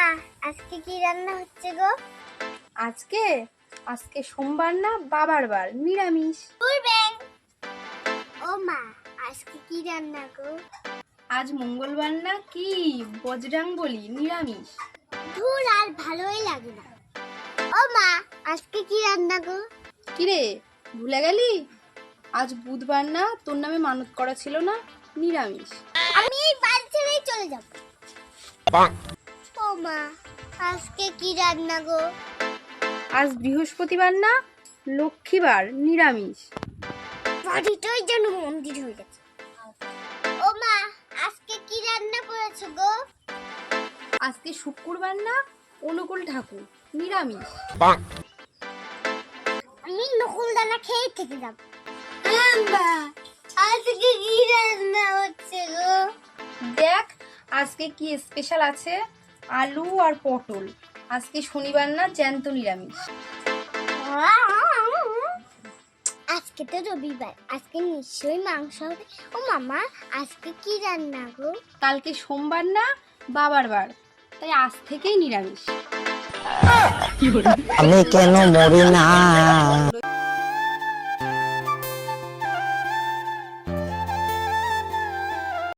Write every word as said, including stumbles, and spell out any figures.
আজকে কি রান্না হচ্ছে গো? আজকে আজকে সোমবার না, বাবার বার, নিরামিষ। করবেন? ও মা, আজকে কি রান্না গো? আজ মঙ্গলবার না, কি বজরাং বলি, নিরামিষ। ধুর, আর ভালোই লাগে না। ও মা, আজকে কি রান্না গো? কিরে, ভুলে গেলি? আজ বুধবার না, তোর নামে মানত করা ছিল না, নিরামিষ। আমি এই বাড়ি ছেড়েই চলে যাব। ও মা, আজকে কি রান্না গো? আজ বৃহস্পতিবার না, লক্ষ্মীবার, নিরামিষ। বাড়িটাই যেন মন্দির হয়ে গেছে। ও মা, আজকে কি রান্না করেছো গো? আজকে শুক্রবার না, অনুকূল ঠাকুর, নিরামিষ। আমি নকুল দানা খেয়ে থেকে যাব। মা, আজকে কি রান্না হচ্ছে গো? দেখ আজকে কি স্পেশাল আছে, আলু আর পটল। আজকে শনিবার না, জ্যান্ত নিরামিষ। আজকে তো রবিবার, আজকে নিশ্চয়ই মাংস হবে। ও মামা, আজকে কি রান্না গো? কালকে সোমবার না, বাবার বার, তাই আজ থেকেই নিরামিষ। আমি কেন মরি না?